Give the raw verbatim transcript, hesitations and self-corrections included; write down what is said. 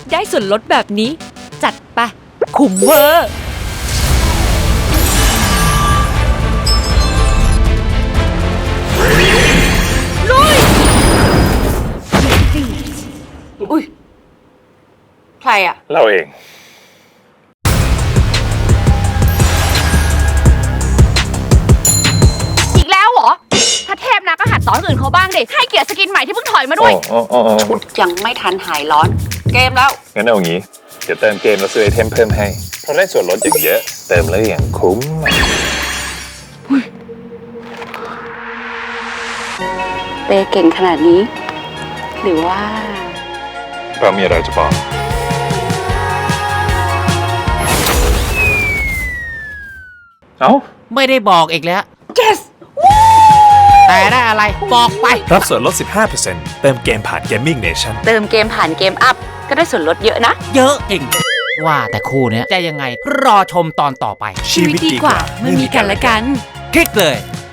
ได้ส่วนลดแบบนี้จัดไปคุ้มเวอร์ลุยอุ้ยใครอะเราเองอีกแล้วเหรอ ถ้าเทพนะก็หัดสอนอื่นเขาบ้างดิ ให้เกียรติสกินใหม่ที่เพิ่งถอยมาด้วยโอ้โอ้โอ้โอ้ยังไม่ทันหายร้อน เกมแล้วงั้นเอางี้ เดี๋ยวเติมเกมแล้วซื้อไอเทมเพิ่มให้ เพราะได้ส่วนลดอย่างเยอะ เติมแล้วอย่างคุ้มเปเก่งขนาดนี้ หรือว่าเรามีอะไรจะบอก เอ้าไม่ได้บอกอีกแล้ว yes แต่ได้อะไรบอกไปรับส่วนลด สิบห้าเปอร์เซ็นต์ เติมเกมผ่าน Gaming Nation เติมเกมผ่านเกมอัพ ก็ได้ส่วนลดเยอะนะเยอะจริง ว่าแต่คู่เนี้ยจะยังไงรอชมตอนต่อไปชีวิตดีกว่าไม่มีกันและกันคลิกเลย